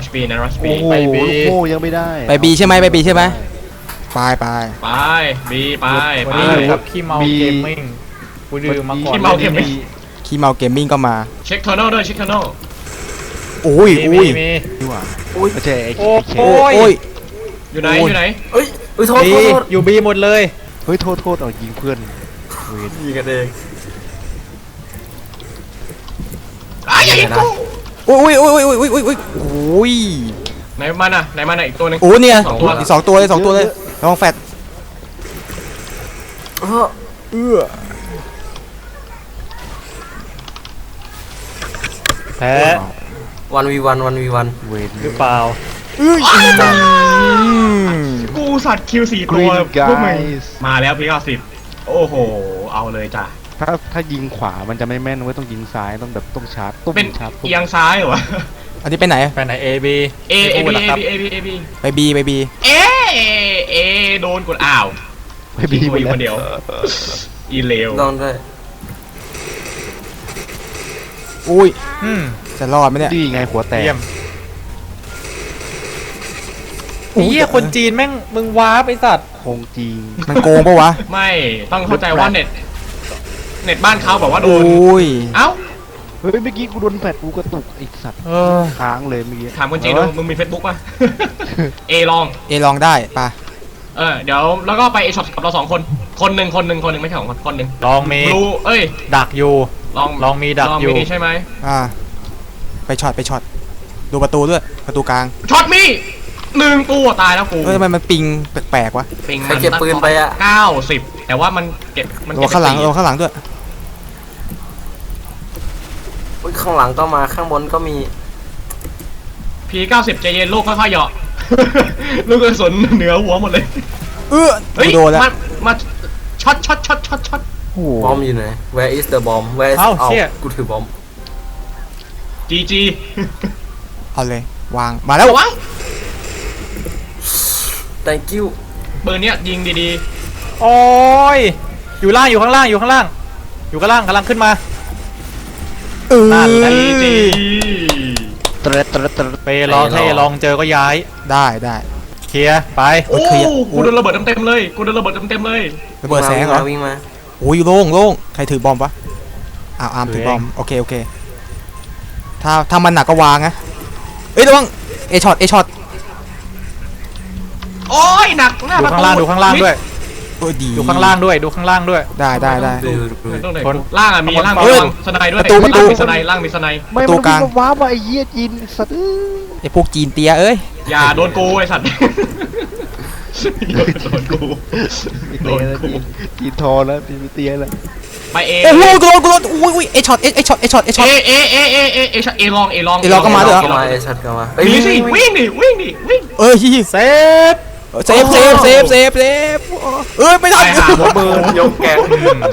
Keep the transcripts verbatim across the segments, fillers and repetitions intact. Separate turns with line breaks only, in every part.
บีนะรัชบี
ไปบีโอ้ยังไม่ได้
ไปบีใช่ไหมไปบีใช่ไหมไปไป
ไปบีไปไป
วันนี้อยู่กับขี้เมาเกมมิ่งกูดื่มมาก่อน
ขี้เมาเกมมิ่ง
ขี้เมาเกมมิ่งก็มา
เช็คเทอร์โนด้วยเช็คเทอร์โน
โอ้ย
มี
อุ้ย
มี
ดีกว่าไม่ใช่ไอ้
โอ้
เค
โห
โอ้ย
อยู่ไหนอยู่ไหน
เอ้ยเอ้ยโทษ
บี
โทษโทษ
อยู่บีหมดเลย
เฮ้ยโทษโทษเอายิงเพื่อนเวร
ยิงกันเอง
อ้ายอย่ายิงกู
โอ้ยโอ้ยโอ้ยโอ้ยโอ้ยโอ้ยโอ้ย
ไหนมันอ่ะไหนมันอ่ะอีกตัวหนึง
โอ้เนี่ย
สองตัว
อีกสองตัวเลยสองตัวเลยระวังแฟด
เออ
เอื้อ
แพ้
วันวีวันวันวีวัน
เวร
หรือเปล่า
อืม
กูสัตว์คิวสี่ตัวพวกมึงมาแล้วพี่เก้าสิบโอ้โหเอาเลยจ้ะ
ถ้าถ้ายิงขวามันจะไม่แม่นเว้ยต้องยิงซ้ายต้องแบบต้องชาร์จตุ้ม
เป็น
ชาร์จตุ้ม
เอียงซ้ายเหรอวะ
อันนี้ไปไหน
ไปไหน A B
A A B
พูด
A
หรอครับ
B A B A B
ไปบีไปบี
เอเอโดนกดอ้าว
ไม่บี
ยิง
หม
กู
ด
อยู่คนเดี
แล้
ยว วอีเลว
ลองด้วย
อุ้ย
อืม
จะรอดไหมเนี่ย
ดีไงหัวแตก
เยี่ยมไอ้เหี้ยคนจีนแม่งมึงว้าไปสัตว์
คงจริง
มันโกงปะวะ
ไม่ต้องเข้าใจว่าเน็ตเน็ตบ้านเขาบอกว่าโด
โอน ้ย
เอ้า
เฮ้ยเมื่อกี้กูโดนแฟดกูกระตุกไอ้สัตว์
เออ
ค้างเลยเมื่อกี้
ถามคนจีนดูมึงมีเฟซบุ๊กป่ะ เอลอง
เอลองได้ปะ
เออเดี๋ยวแล้วก็ไปเอช็อปกับเราสองคน คนหนึ่งคนหนึ่งคนหนึ่งไม่ใช่สองคนคนหนึ่ง
ลองมี
บลูเอ้ย
ดักอยู่
ลอง
ลองมีดัก
ลอง
อยู่
มีใช่ไหม
อ่าไปช็อตไปช็อตดูประตูด้วยประตูกลาง
ช็อตมีหนึ่งตัวตายแล้วกู
เฮ้ยทำไมมันปิงแปลกๆวะ
ปิง
ใครเก็บปืนไปอะ
เก้าสิบแต่ว่ามันเก็บมัน
ระ
เก็
วั
บ
งข้างหลัง
ไป
ระวังข้างหลังด้วย
เฮ้ยข้างหลังก็มาข้างบนก็มี
พีเก้าสิบใจเย็นลูกค่อยๆเหยาะ ลูกกระสุนเหนือหัวหมดเลย
เออ
เฮ้ย
โดนแล้ว
มามาช็อตช็อตช็อตช็อตช็อต
โอ้โห
บอมอยู่ไหน Where is the bomb Where is
เอ้าเชี่ย
กูถือบอม
จีจี
เอาเลยวางมาแล้ว
วะ
thank you
ปืนเนี้ยยิงดี
โอ้ยอยู่ล่างอยู่ข้างล่างอยู่ข้างล่าง อยู่ข้างล่างกำลังขึ้นมา
เออ
นั่นแหละ
ๆจีจี
เตร็ดเตร็ดเตร็ด
ไปลองให้ลองเจอก็ย้าย
ได้ได้
เคลียร์ไป
โอ้
เคลียร์
กูโดนระเบิดเต็มๆเลยกูโดนระเบิดเต็มๆเลย
ระเบิดแสงเหรอ
วิ่งมา
โอ้ยโล่งโล่งใครถือบอมวะอ้าวอาร์มถือบอมโอเคโอเคถ้าถ้ามันหนักก็วางนะเอ้ยระวังเอช็อตเอช็อต
โอ้ยหนักหน้า
ดู
ประ
ข้าง
ตู
ล่างดูข้างล่างด้วย
โอ้ยดี
ดูข้างล่างด้วยดูข้างล่างด้วย
ได้ได้ได้
ดูดูดู
ต้องไหน
คน
ล่างอ่ะมีล่าง
เฮ้
มี
ย
ล่างสไนด์ด้วย
ประตูประตู
ล่างมีสไนด์ล่างมีสไนด์
ไม่
ประตู
มัน
กลาง
มันว้ามาไอ้เหี้ยจีนสัตว์เอ้ย
ไอพวกจีนเตียเอ้ย
อย่าโดนกูไอ้สัตว์โดนกู
ไม่
โด
เตีย
น
แล้ว
กู
จีนจีนทอแล้วจีนไม่เตียแล้ว
ไปเอ
โอ้โหกูโดนกูโดนอุ้ยอุ้ยเอช็อตเอเอช็อตเอช็อตเอช็อต
เอเอเอเอเอเอช็อตเอลองเอลอง
เอลองก็มาด้วยเหรอ
ก็มาไอ้ชัดก็มาเอ้ย
มีสิ
วิ่ง
วิ่งดิวิ่งดิวิ่ง
เอ้ย
เซฟ
เซฟเซฟเซฟเซฟเซฟเอ้ยไม่ทัน
ไปหาหมอเบิร์น
ยกแกง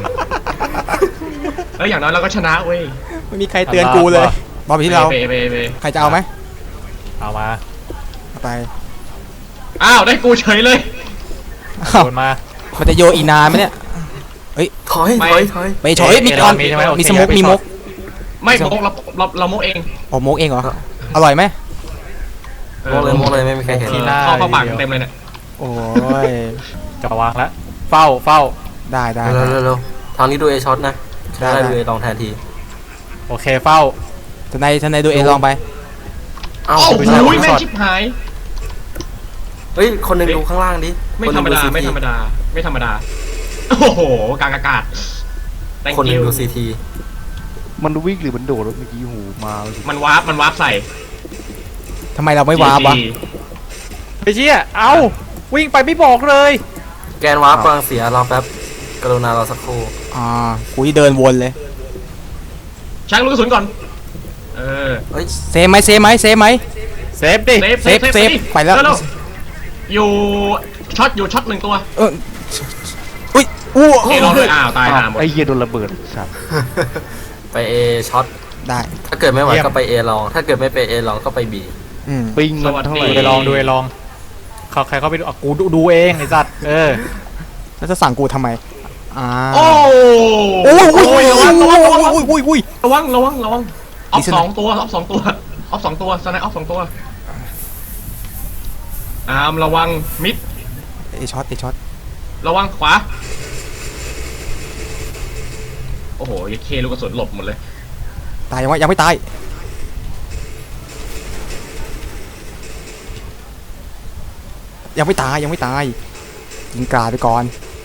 เอ้ยอย่างน้อยเราก็ชนะเว้ย
ไม่มีใครเตือนกูเลยบอลไปที่เรา
ไปไปไป
ใครจะเอาไหม
เอามา
เอาไป
อ้าวได้กูเฉยเลย
อ้าว
โดนมา
มันจะโยนอีกนานไหมเนี่ย
ถอยถอยถอย
ไปถอยมีก่อน
มีใช่ไหมโอเค
มีสมุก
ไป
มี
ช็
ม
อต
ก
ไม่โมกเราเราเราโมกเอง
อ๋อมกเองเหรออร่อยไหม
โมกเลยโมกเลยไม่มีใครเห็น
ที่หน้า
เข้าเข้าปากเต็มเลยเนี่ย
โอ้ย
จะวางแล้วเฝ้าเฝ้า
ได้ได้
เร็วเร็วเร็วทางนี้ดูเอช็อตนะ
ได้
ได้
ได้
ดูเอลองแทนที
โอเคเฝ้า
ทนายทนายดูเอลองไป
เอ้า
โอ้โห
ไม่ใช่
แม่งชิบหาย
เฮ้ยคนหนึงดูข้างล่างดิ
ไม่
คนห
ธร
นึ่
รง ม
ดู
ดา
ซี
ไม่
ที
ธรรมดาไม่ธรรมดาโอ้โหกลางอากาศ Thank
คนหนึง
you
ดูซีที
มันวิ่งหรือมันโดดวะเมื่อกี้หูมา
มันวาร์ปมันวาร์ปใส่
ทำไมเราไม่วาร์ปวะ
จีจี
ไปเชี่ยเอาวิ่งไปไม่บอกเลย
แกนวาร์ปกำลังเสียรอแป๊บกรุณารอสักครู่
อ่ากูที่เดินวนเลย
ช่างลูกกระสุนก่อนเออ
เฮ้ย
เซฟไหมเซฟไหมเซฟไหม
เซฟดิ
เซฟ
เซฟเซฟไปแล้ว
เร็ๆอยู่ช็อตอยู่ช็อตหนึ่งตัว
เอออุ้ยอู้
เอลองเลยอ้าวตายหาหมด
ไอ้เหี้ยโดนระเบิดสัตว์
ไปเอช็อต
ได้
ถ้าเกิดไม่ไหวก็ไปเอลอง ถ้าเกิดไม่ไปเอลองก็ไปบี
อืม
ปิงมันเท่าไหร่
ดูไปลองดูไปลองเขาใครเขาไปดูอ่ะกูดูดูเองไอ้สัตว์เออ
แล้วจะสั่งกูทำไมอ่า
โอ้
โอ้ยโอ้ย
ระ
โอ้
วั
ย
ง
โอ้
ระ
ย
วัง
โอ้ยโอ้ยโอ้ย
ระวังระวังระวังออฟ
มีสไน
สองตัวออฟสองตัวออฟสองตัวสไนออฟสองตัวอาร์มระวังมิด
เอช็อตเอช็อต
ระวังขวาโอ้โหยัดเคลูกกระสุนหลบหมดเลย
ตายยังวะยังไม่ตายยังไม่ตายยังไม่ตายยิงกราดไปก่อน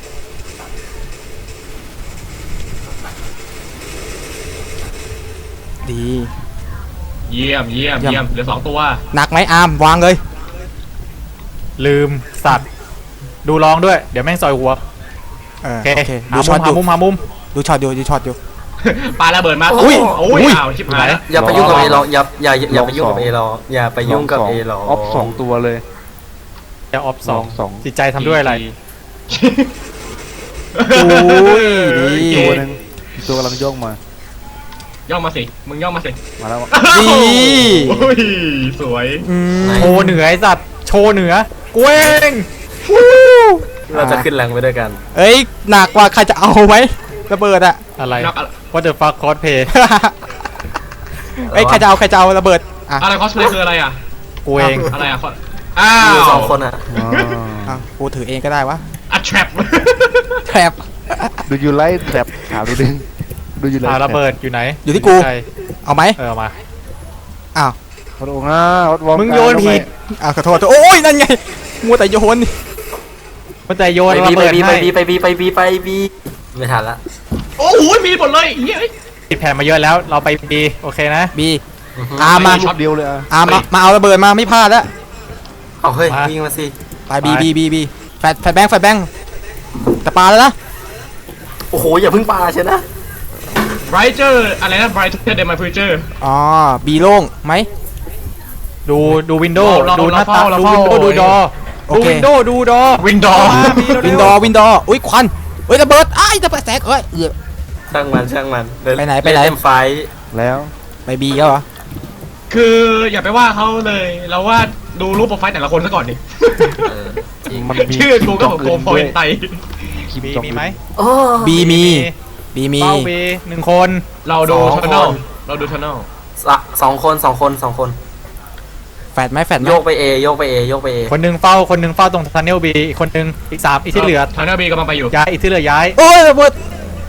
ดี
เยี่ยมเยี่ยม
เยี่ยม
เยี่ยมเหลือสองตัว
หนักไหมอาร์มวางเลย
ลืมสัตว์ ดูลองด้วย เดี๋ยวแม่งซอยหัว
เออ
โอเค
โอเค
หา
ดู
มุ
ช็อ
ม
ตอ
หา
ยู่
มุมหามุม
ดูช็อตอยู่ดูช็อตอยู่
ปาระเบิดมา
อุ้ย
โอ้
อุ้
ย
ย
อ้าวชิบหายแล้ว
อย่าไปยุ่งกับเอรออย่าอย่าอย่าไปยุ่งกับ
ลองสอง
เอรออย่าไปยุ่งกับ
ส
เอรอ
ออฟสองตัวเลย
จะออฟสอง
สอง
จิตใจทำด้วยอะไร
อุ้ยดี
ตัวหนึงอีกตัวกำลังย่องมา
ย่องมาสิมึงย่องมาสิ
มาแล้ว
ดี
โอ้ยสวย
อืม
โชว์เหนือไอ้สัตว์ โชว์เหนือกูเอง
เราจะขึ้นแรงไปด้วยกัน
เอ้ยหนักกว่าใครจะเอาไหมระเบิดอะ
อะไร
นักอะไร
What the fuck cosplay
เอ้ยใครจะเอาใครจะเอาระเบิดอ่ะ
อะไรคอสเพลย์คืออะไรอ่ะ
กูเอง
อะไรอ่ะอ้า
อยู่
ว
สองคนอ่ะ
อ๋อ
อ่ะกูถือเองก็ได้วะ
อะแทรป
แทรป
ดูยูไลท์แทรปถามนิดนึงดูยูไลท์
อ่าระเบิดอยู่ไหน
อยู่ที่กู
ใช่
เอาไหม
เออเอามา
อ้าว
พระองค์อ่ะวัดวอร์
มึงโยนผิด
อ้าวขอโทษโอ้ยนั่นไงมัวแต่โยน
มันจะโยน
ไป
ระ
บีไป
เบิด
บีไป
ให้
บีไปบีไปบีไปบีไม่ทันละ
โอ้โหมีหมดเลยเฮ้ย
ติดแผ่นมาเยอะแล้ว เราไปบีโอเคนะ
บี
อือฮึ
อาร์มมา
ช็อตเดียวเลยอ่ะ
อาร์มมามาเอาระเบิดมาไม่พลาดแล้ว
เอาเฮ้ย
มา
วิ่งมาสิ
ไปบีบีบีบีแฟดแฟดแบงค์แฟดแบงค์แต่ปาแล้วนะ
โอ้โหอย่าเพิ่งปาใช่นะ
ไบรเจอร์อะไรนะไบรเจอร์เดมายฟิวเจอร์
อ๋อบีโล่งไหม
ดูดูวินโดว์
เรา
ดูหน้า
เรา
ตา
เรา
ดู
เฝ้า
วินโดว์ดูดอ
โอ
ดู
เค
วินโดว์ดูดอ
วินดอร์
วินดอร์วินดอร์อุ้ยควันเฮ้ยระเบิดอ้ายระเบิดแสกเอ้ยเหี้ย
ช่างมันช่างมันเดิ
ไปไหนไปไหน
เล่ไฟ
แล้ว
ไปบีแล้วเหรอ
คืออย่าไปว่าเขาเลย เราว่าดูรูปโปรไฟล์แต่ละคนซะก่อนดิ
เออจริง
มันมี
ชื่อกูก็ของโกโพยไต
คลิป
บี
จอง
มีไหม
โอ้
บีมีบีมี
เป้าบีหนึ่งคน
เราดู
สอง
ทันเนล
คน
เราดูทันเนล
สะสองคนสองคนสองคน
แฟดไหมแฟดไหม
โยกไปเอโยกไปเอโยกไปเอ
คนหนึ่งเฝ้าคนหนึ่งเฝ้าตรงทันเนลบีอีกคนหนึ่งอีกสามอีกที่เหลือ
ทันเนลบีกำลังไปอยู่
ย้ายอีกที่เหลือย้าย
โอ้ยระเบิด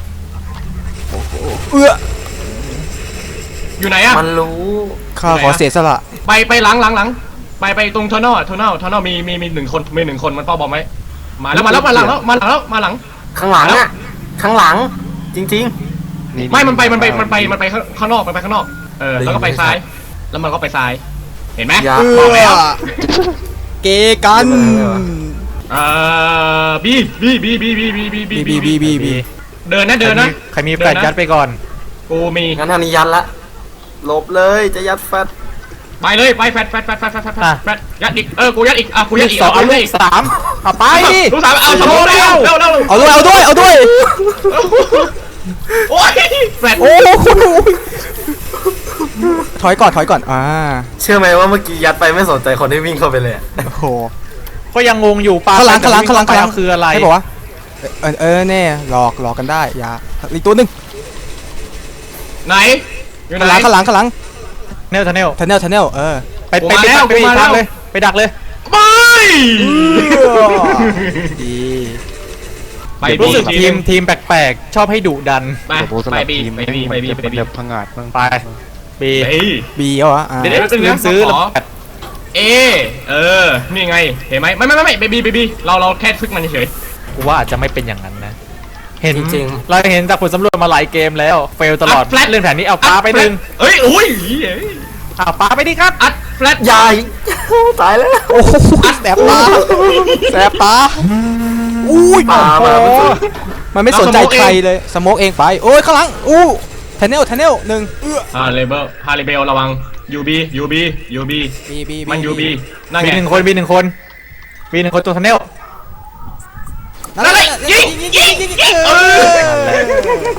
เอื้อ
อยู่ไหนอะ
มันรู้
ข้าขอเสียสละ
ไปไปหลังหลังหลังไปไปตรงทันเนลทันเนลทันเนลมีมีมีหนึ่งคนมีหนึ่งคนมันเป้าบอมไหมมาแล้วมาแล้วมาหลังแล้วมาหลังแล้วมาหลัง
ข้างหลังอ่ะข้างหลัง จริง
ไม่มันไปมันไปมันไปมันไปข้างนอกมันไปข้างนอกเออแล้วก็ไปซ้ายแล้วมันก็ไปซ้ายเห็นไหม
ๆอย่า
เอื้
บอกแล้ว
อเกกัน
เอ่อบีบีบีบีบีบีบีบี
บีบีบีบีบี
เดินนะเดินนะ
ใครมีแฟลชยัดไปก่อน
กูมี
งั้นทางนี้ยัดละหลบเลยจะยัดแฟต
ไปเลยไปแฟดแฟดแฟดแฟดแฟดแฟดแฟดยัดอีกเออกูยัดอีกอ่ะกูยัดอีก
สอง
เอา
เอา
เล
ลู
ย
กสามเอาไปดิ
ลูกสาวเอาสมองแล้วเร็วเร็ว
เอาด้วยเอาด้วยเอาด้วย
โอ้ยแฟด
โอ้โหถอยก่อนถอยก่อนอ่า
เชื่อไหมว่าเมื่อกี้ยัดไปไม่สนใจคนที่วิ่งเข้าไปเลยอะ
โอ้โห
ก็ยังงงอยู่ปลา
ข้างหลังข้างหลังข้างหลังข้างหลัง
คืออะไร
ให้บอกว่าเออเออแน่หลอกหลอกกันได้อย่าอีกตัวหนึง
ไหนอยู่ไหน
ข้างหลังข้างหลังข้างหลัง
เนลทันเนล
ทันเนลทันเนลเออ
ไป
กู
ไป
มา
ไป
แล้ว
ไป
กู
อี
มาก แล้ว
ทางเลยไปดักเลย
ไป
ดี
ไป
รู้
บี
สึกทีมทีมแปลกๆ ชอบให้ดุดัน
ไป
โอ้โหส
ไป
ลับ
บี
ทีม
ไปบีไปบี
มัน
ไป
จะ
บี
แบบพังอาจบ้าง
ไปบี
เฮ้ย
บีเหรออ่า
เดี๋ยวเดี๋ยว
ลืมซื้อ
ข
แล้ว
อ เอเออนี่ไงเห็นไหมไม่ไม่ไม่ไม่ไปบีไปบีเราเราแค่ทึกมันเฉย
กูว่าอาจจะไม่เป็นอย่างนั้นนะ เห็น
จริง
เราเห็นจากผลสำรวจมาหลายเกมแล้ว เฟลตลอดเล่นแผนนี้เอาปลาไปหนึ่ง
เฮ้ยอุ้ย
เอาปลาไปดิครับ
อัดแฟลต
ๆใหญ่ตายแล้ว
โอ้โหแสบตาแสบตาอุ้ย
ปลามา
โอ้
ไม่
โห
สุด
มันไม่สนใจใครเลยสโมกเองไปโอ้ยข้างหลังอู้ทันเนลทันเนลหนึ่งเอื้อ
อ่าเลเบลฮาริเบลระวังยูบียูบียูบี
บีบี
มันยูบีนั่น
บี
ไง
หนึ่งคนบีหนึ่งคนบีหนึ่งคนตัวทันเนล
นั่นแหละยิงยิงยิงยิงเออ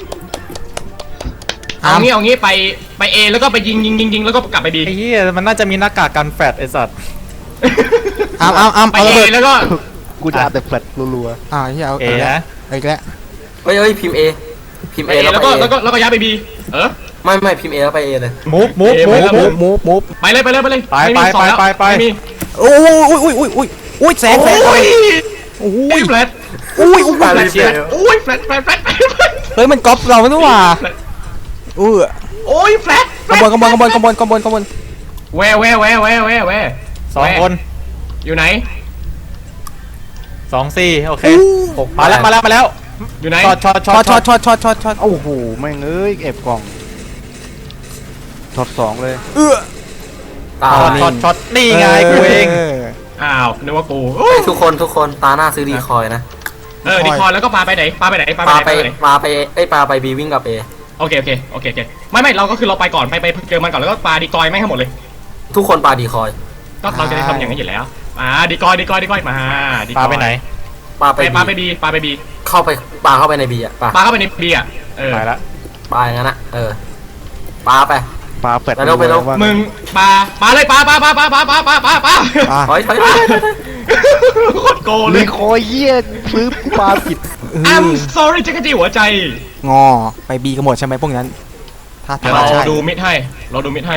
เอางี้เอางี้ไปไปเอแล้วก็ไปยิงยิงยิงยิงแล้วก็กลับไปบี
ไอ้เหี้ยมันน่าจะมีหน้ากากกันแฟดไอ้สัตว์
อ้ามอ้ามอ้าม
ไป
เอาระ
เอ
เบิด
แล้วก็
กูจะเอาแต่แฟลตรัว
อ่าที่เอา
เอ
เอาแล้ว
นะ
เอาอีกแล้ว
เฮ้ยเฮ้ยพิมพ์เอพิมพ์
ไป
เอ
เอ
แล้ว
แล้ว
ไป
ก็
เอ
แล้วก็แล้วก็ย้ายไปบีเออ
ไม่ไม่พิมพ์เอแล้วไปเอเลย
มูฟมูฟ
เอ
มู
ไป
ฟ
แล้ว
มู
มู
ฟ
ฟมูฟมูฟ
ไปเลยไปเลยไปเลย
ไป
ม่มี
ไป
สองแล้ว
ไปไป
ม่มี
โอ้ยโอ้ยโอ้ยโอ้ยโอ้ยโอ้ยแสงแสง
โอ้ย
โอ้
ไอ้
ย
แฟลต
โอ้ยโอ้ย
ปารีเบล
โอ้ยแฟลตแฟลตแฟลตแฟลต
เฮ้ยมันก๊อปเราไม่รู้ว่าเออ
โอ้ยแฟลต
ขบวนขบวนขบวนขบวนขบวนขบวน
แวแวแวแวแวแว
สองคน
อยู่ไหน
สองสี่โอเค
อู้
หกมาแล้วมาแล้วมาแล้ว
อยู่ไหน
ช็อตช็อตช็
ช็
อ
อ
ต
ตช็อตช็อตช็อตช็อตช็อต
โอ้โหแม่งเอ้ยเอฟกล่องช็อตสองเลย
เออ
ตา
ช็อตช็อตช็อตนี่ไงกูเอง
อ
อ้าวนึกว่ากู
เฮ้ยทุกคนทุกคนตาหน้าซื้อดีคอยนะ
เออดีคอนแล้วก็ปาไปไหนปาไปไหนปาไป
ปา
ไหน
ไป
ปาไปไหน
ปาไปเอ้ยปาไปบีวิ่งกับเอ
โอเคโอเคโอเคโอเคไม่ไม่เราก็คือเราไปก่อนไปไปเจอมันก่อนแล้วก็ปาดีกอยไม่งให้หมดเลย
ทุกคนปาดีคอย
ก็เราจะได้ทำอย่างนั้นอยู่แล้วอ่าดีกอยดีกอยดีกอยมาดีกอย
ปาไปไหน
ปาไป
ไปปาไป
บี
บีปาไปบี
เข้าไปปาเข้าไปในบีอ่ะปา
ปาเข้าไปในบีอ่ะเออ
ไปละ
ปาอย่างนั้นอ่ะเออปาไป
ปลาแฟด
ไปเร็วไปเร็ว
ว่า
มึงปาปาเลยปาปาปาปาปาปาปาปาปา
อ่ะ
ถอยถอยถอยถอยถอย
โคตรโกงเล
มี
ย
คอยเยี่ยซื้อปลาผิด
เออ
I'm sorry จักรจี้หัวใจ
งอไปบีกันหมดใช่ไหมพวกนั้นถ้า
เดี๋ยว
ทำ
เรา
ใช่
ดูมิดให้เราดูมิดให้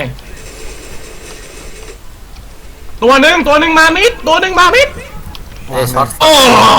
ตัวหนึ่งตัวหนึ่งมามิดตัวหนึ่งมามิด
เอช็อต
โอ้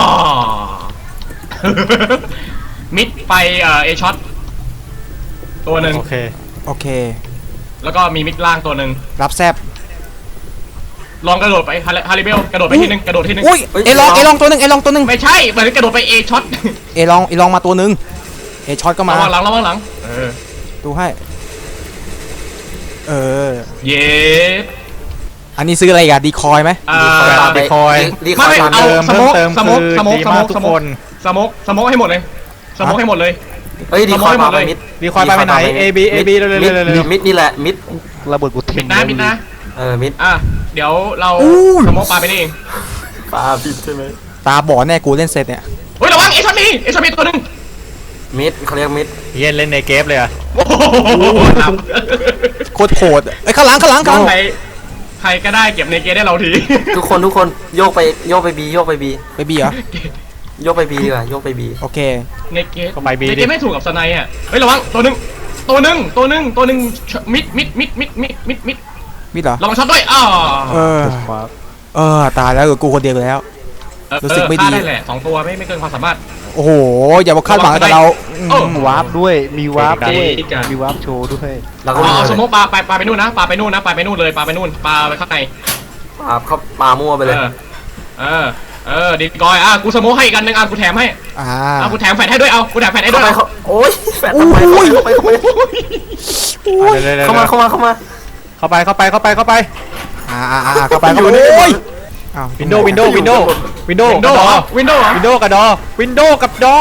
มิดไปเอ่อเอช็อตตัวหนึ่ง
โอเค
โอเค
แล้วก็มีมิดล่างตัวหนึ่ง
รับแซบ
ลองกระโดดไปฮาริฮาริเบลกระโดดไปทีนึงกระโดดทีนึง
อุ้ยเอลองเอลองตัวหนึ่งเอลองตัวหนึ่ง
ไม่ใช่เหมือนกระโดดไปเอช็อต
เอลองเอลองมาตัวหนึ่งเอช็อตก็มา
ระวังหลังระวังหลังเออ
ดูให้เออ
เย้
อันนี้ซื้ออะไรอีกันดีคอยไหม
อ่า
ดีคอยดีคอย
ไม่
ตาม
เอา
เดิม
ส
เพิ่
โม
ม
ก
เติม
สโมก
คือ
สโมก
ดีมาก
สโมก
ทุกคน
สโมกสโมกให้หมดเลยสโมกให้หมดเลย
เฮ้ยดีคอยปาไปมิด
ดีคอยปาไปไหน A B A B เร็วๆ
มิด
เร็วๆเร็วๆ
มิดนี่แหละมิด
ระเบิดกู
มิ
ทิ้
ด
ง
นะมิดนะ
เออมิด
อ่ะเดี๋ยวเราสโมกปาไปนี่เอง
ปาผิดใช่ไหม
ตาบอดแน่กูเล่นเสร็จเนี่ย
เฮ้ยระวังเอช็อตมีเอช็อตมีตัวหนึ่ง
มิดเขาเรียกมิด
เย็นเล่นในเกมเลยอะ
โอ้โหหลับ
โคตรโหดเอ้ยข้างหลังข้างหลังข้างหลัง
ใครใครก็ได้เก็บในเกมได้เราที
ทุกคนทุกคนโยกไปโยกไปบีโยกไปบี
ไปบีเหรอ
โยกไปบีดีกว่าโยกไปบี
โอเค
ในเกม
ก็ไปบี
ใน
ดิ
เกมไม่ถูกกับสไนอ่ะเฮ้ยระวังตัวหนึ่งตัวหนึ่งตัวหนึ่งตัวหนึ่งมิดมิดมิดมิดมิดมิดมิด
มิดเหรอ
ระวังช็อตด้วยอ้าว
เออ
ฟ้า
เออตายแล้วเหลือกูคนเดียวแล้ว
เออ
รู้สึกไม่ดี
ฆ่าได้แหละสองตัวไม่ไม่เกินความสามารถ
โอ้โหอย่ามาคาดหวังกับเรา
โอ้
อืม
วาร์ปด้วยมีวาร์ปด้วย
อีกอ่ะ
มีวาร์ปโชว์ด้วย
แล้วก็
เอา
วิ่ง
เอา
เล
ส
ย
โมกปลาไปปลาไปนู่นนะปลาไปนู่นนะปลาไปนู่นเลยปลาไปนู่นปลาไปข้างใน
ปาเขาปามั่วไป
เอ
เลย
อเออเออดีกอยอ่ะกูสโมกให้อีกอันหนึ่งอ่ะกูแถมให้
อ่า
อ่ะกูแถมแฟนให้ด้วยเอากูแถมแฟนให้ด้
เข้า
วย
ไป
เอา
เขาโอ้ยแฟนเข้าไปเข้าไปเข้าไป
เร็วๆๆๆ
เข้ามาเข้ามาเข้ามา
เข้าไปเข้าไปเข้าไปเข้าไป
อ่าอ่าอ่าเข้าไปเข้าไปโอ้ยอ้าว
วินโดว์วินโดว์วินโดว์วินโดว์
วินโดว์เหรอวินโดว์เหรอ
วินโดว์กับดอวินโดว์กับดอ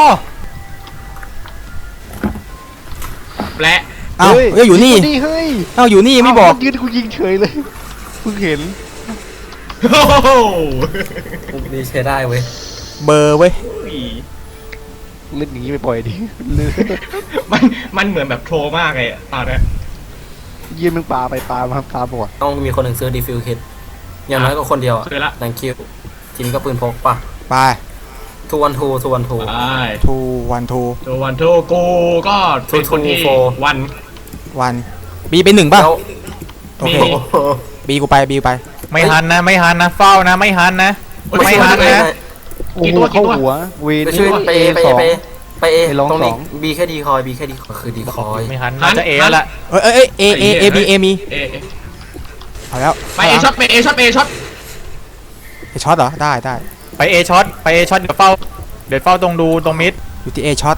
แปะ
อ้าวเอ้ยอยู่นี่
เฮ้ย
อ้าวอยู่นี่ไม่บอก
เายืนกูยิงเฉยเลยเพิ่งเห็น
โอ้โห
ดีใช้ได้เว้ย
เบอร์เว้ย
เล่นอย่างนี้ไปปล่อยดิลืม
มันมันเหมือนแบบโทรมากเลยอะตอนเนี้ย
ยืนมึงปลาไปปลามาปลาบอด
ต้องมีคนหนึ่งซื้อดีฟิวคิดอย่างน้อยก็คนเดียว
ซื้อละ
ดังคิวทีนี้ก็ปืนพกป่ะ
ไป
ทูวันทูทูวันทู
ไป
ทูวันทู
ตัววันทูกูก็เป็นคนที่
Two, two, four
วัน
วันบีเป็นหนึ่งป่ะ
แล้ว
โอเค
มี
โอ้โห
บีกูไปบีกูไป
ไม่หันนะไม่หันนะเฝ้านะไม่หันนะ ไม่หันนะ
โอ้
กี่
โห
ตัวกี่
เข้า
ตัว
หัวเว
ไป
น
ช่วยไปเอไป
ส
เอ
อง
ไปเอไปเอ
ไปลอง
ตรงนี้
สอง
บีแค่ดีคอยบีแค่ดีคอยคือดีคอย
ไม่หันน่าจะเอแล้วละ
เอ้ยเอ้ยเอ้ยเอเอเอบีเอมี
เอเอ
เอาแล้ว
ไปเอช็อตไปเอช็อตไปเอช็อต
เอช็อตเหรอได้ได้
ไปเอช็อตไปเอช็อตเดี๋ยวเฝ้าเดี๋ยวเฝ้าตรงดูตรงมิด
อยู่ที่เอช็อต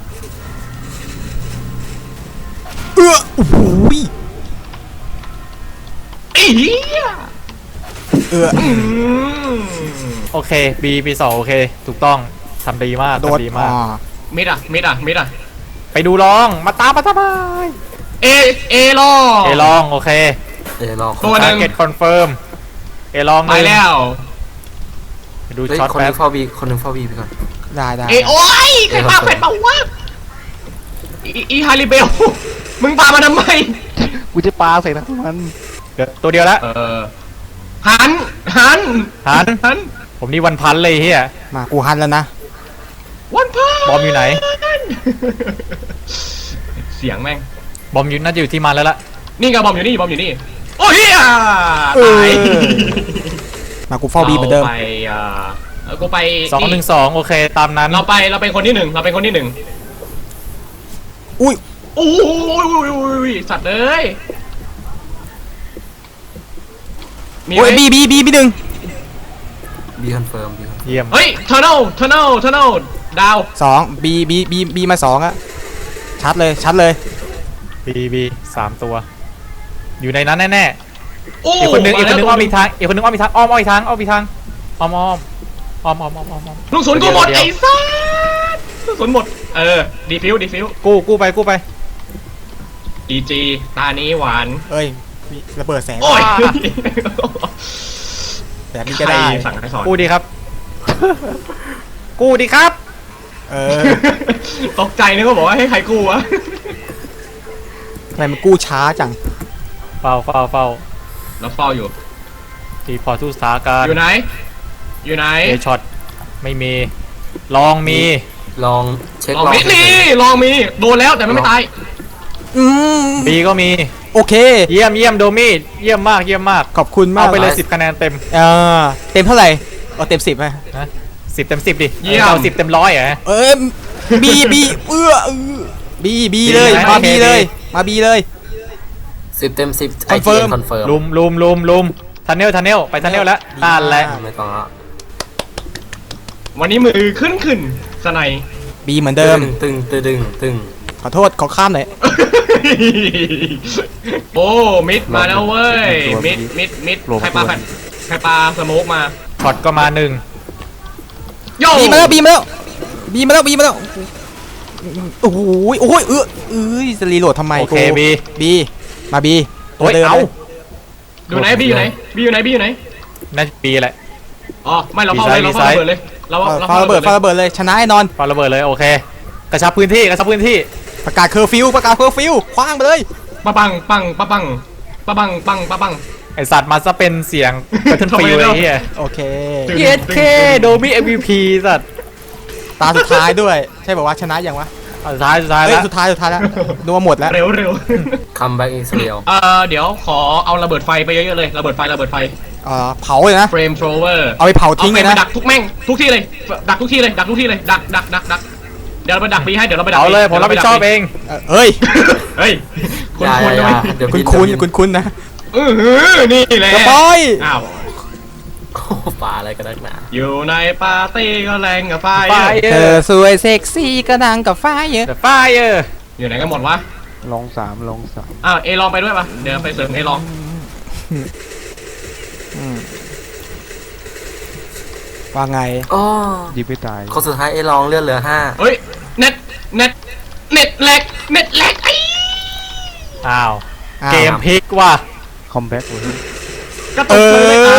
เออโอ้โห
ไอ้เหี้ย
เออ
อืม
โอเคบีปีสองโอเคถูกต้องทำดีมาก
โดด
ทำดีมาก
อ่า
มิดอ่ะมิดอ่ะมิดอ่ะ
ไปดูลองมาตามมาทำไม
เอเอรอ
เอลองโอเค
เอรอค
ตัวหนึ่ง
เก็ตคอนเฟิร์มเอลอง
ไปแล้ว
ไปดู
เฮ้ย
ช็อต
คนห
แป๊
นึ
บ
งเฝ้าบีคนหนึงเฝ้าบีไปก่อน
ได้ได้
เอโอ้ยใครปาแฟนเปล่าวะอีอีฮาริเบลมึงปามาทำไม
กูจะปลาใส่ทั้งมัน
เดี๋ยวตัวเดียวละ
เออหันหัน
หัน
หัน
ผมนี่วันพันเลยเฮีย
มากูฮันแล้วนะ
วันพัน
บอมอยู่ไหน
เสียงแม่ง
บอมอยู่น่าจะอยู่ที่มันแล้วล่ะ
นี่ไงบอมอยู่นี่บอมอยู่นี่โอ้ยเฮีย
เออ
ตาย
มากูเฝ้าบีเหมือนเดิม
ราไปอ่าเออกูไป
สองหนึ่งสองโอเคตามนั้น
เราไปเราเป็นคนที่หนึ่งเราเป็นคนที่หนึ่ง
อุ้ย
โอ้ยสัตว์เลยมีไห
โอ้ย
ม
บีบีบีบีหนึ่ง
บีคอนเฟิร์มบี
เยี่ยม
เฮ้ยเทอร์เนลเทอร์เนลเทอร์เนลดาว
สองบีบีบีบีมาสองอะชัดเลยชัดเลย
บีบีสามตัว อยู่ในนั้นแน่
โอ้
ๆอีกคนนึงอีกคนนึงอ้อม
มี
อีกทางอีกคนนึงอ้อมอีกทางอ้อมอ้อมอีกทางอ้อมอีกทางอ้อมอ้อมอ้อมอ้อมอ้อมอ้อมอ้อม
ลูกศูนย์กูหมด
เดี๋ยว
ไอ้สัสลูกศูนย์หมดเออดีฟิวดีฟิว
กู้กู้ไปกู้ไป
ดีจีตานี้หวาน
เอ้ยมีระเบิดแสง
โอ้ย
แบบนี้ก็ได้
ใครสั่งให้สอน
กู้ดีครับ กู้ดีครับ
เออ
ตกใจนึกว่าบอกว่าให้ใครกู้วะ
ทำไมมันกู้ช้าจัง
เฝ้าเฝ้าเฝ้า
แล้วเฝ้าอยู่
ทีพอทุกสถานการณ์
อยู่ไหน อยู่ไหน
เอช็อตไม่มี ลองมี
ลองเช็ค
ลอง
ลอง
มีนี่ลองมีโดนแล้วแต่มันไม่ตาย
อืม
บีก็มี
โอเค
เยี่ยมเยี่ยมโดมี่เยี่ยมมากเยี่ยมมาก
ขอบคุณมาก
เอาไปเลยสิบคะแนนเต็ม
เออเต็มเท่าไหร่เอาเต็มสิบไหม
นะสิบเต็มสิบดิ
เยี่ยม
เอาสิบเต็มร้อยเหรอ
เอ้ยบีบีเอื้อเออบีบีเลย
บีนะ
มา
โอเค
บีเลย
บี
มาบีเลย
สิบเต็มสิบไอ
Confirm
ทีคอนเฟิร์ม
ลุมลุมลุมลุมทันเนลทันเนลไปทันเนลแล้ว
ดีมาก
นั่นแหละ
ไม่ต้องละ
วันนี้มือขึ้นขึ้นสไนย
บีเหมือนเดิม
ตึงตึงตึงตึง
ขอโทษขอข้ามหน่อย
โอ้มิดมาแล้วเว้ยมิดมิดมิดใครปลาใครปลาสโมกมา
ช็อตก็มาหนึ่ง
โย่
บีมาแล้วบีมาแล้วบีมาแล้วบีมาแล้วโอ้โหโอ้ยเออเอ้ยจะรีโหลดทำไม
โอเคบี
บีมาบี
โอ้ย
ดิม
เอา
ลย
อยู่ไหนบีอยู่ไหนบีอยู่ไหนบีอยู่ไหน
น่าจะบีแหละ
อ๋อไม่เราเฝ้าเลยเราเฝ้าระเบิดเลยเรา
เออ
เรา
ฟาระเบิดฟาระเบิดเลยชนะแน่นอน
ปาระเบิดเลยโอเค กระชับพื้นที่กระชับพื้นที่
ประกาศเคอร์ฟิวประกาศเคอร์ฟิวคว้างไปเลย
ปะปังปังปะปังปะปังปังปะปัง
ไอสัตว์มาซะเป็นเสียงแพทเทิร์น
ทำไม
ฟิล
เน
ไอ้
อะ
เหี้ย
โอเค
ตึง
เยสเคโดมี่เอ็มวีพีสัตว์
ตาสุดท้ายด้วย ใช่บอกว่าชนะยังวะ
เอาสุดท้ายสุดท้าย
เฮ้ย
แล้ว
สุดท้ายสุดท้ายแล้วนัวหมดแล้ว
เร็วเร็ว
คัมแบ็กอิสเรียล
เออเดี๋ยวขอเอาระเบิดไฟไปเยอะๆเลยระเบิดไฟระเบิดไฟ
เอ่อเผาเลยนะ
เฟรมโทรเวอร์
เอาไปเผาทิ้งเลยนะ
ดักทุกแม่งทุกที่เลยดักทุกที่เลยดักทุกที่เลยดักดักดักดักเดี๋ยวเราไปดักบีให้เดี๋ยวเราไปดัก
เอา
B
เลยผมรับผิดชอบเอง
เอ่อเอ้ย
เฮ้ยคุณ
อย่า
คุณ
อย่า
ทำไม
เดี๋ยว
คุณ
พี่
คุณ
เดี๋ยว
คุณคุณนะ
เออหือนี่แหละ
กระปอย
อ้าว
โอ้โหป่าอะไรกันนักหนา
อยู่ในปาร์ตี้ก็แรงกับไฟ
ไฟ
เธอสวยเซ็กซี่กระดังกับไฟเยอะ
แต่ไฟเออ
อยู่ไหนกันหมดวะ
ลงสามลงสาม
อ้าวเอลองไปด้วยปะเดี๋ยวไปเสริมเอลอง
อืมว่าไง
โอ้
ยิงไม่ตาย
คนสุดท้ายไอ้ลองเลือดเหลือห้า
เฮ้ยเน็ตเน็ตเน็ตแลกเน็ตแลกไอ้
อ้าว
อ้าว
เกมพลิกว่ะ
คอมแบ็กเลย
กระ
เอ
ตุกเลย
อ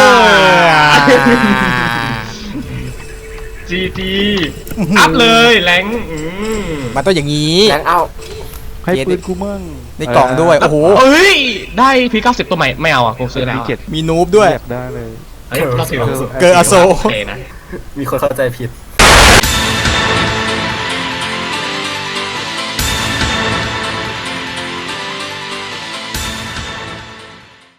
จีจีอัพเลยแรงอืม
มันต้องอย่างนี้
แรงเอา
ให้ปืนกูมั่ง
ในกล่องด้วย โอ้โห
เอ้ยได้พีเก้าสิบตัวใหม่ไม่เอาอ่ะกูซื้อแล้ว
มี
อะ
เจ็ด
มีนูบด้วย
อยากได้เลย
เฮ้ยเราถือ
เกิร์ลอโซ
โอเคนะ
มีคนเข้าใจผิด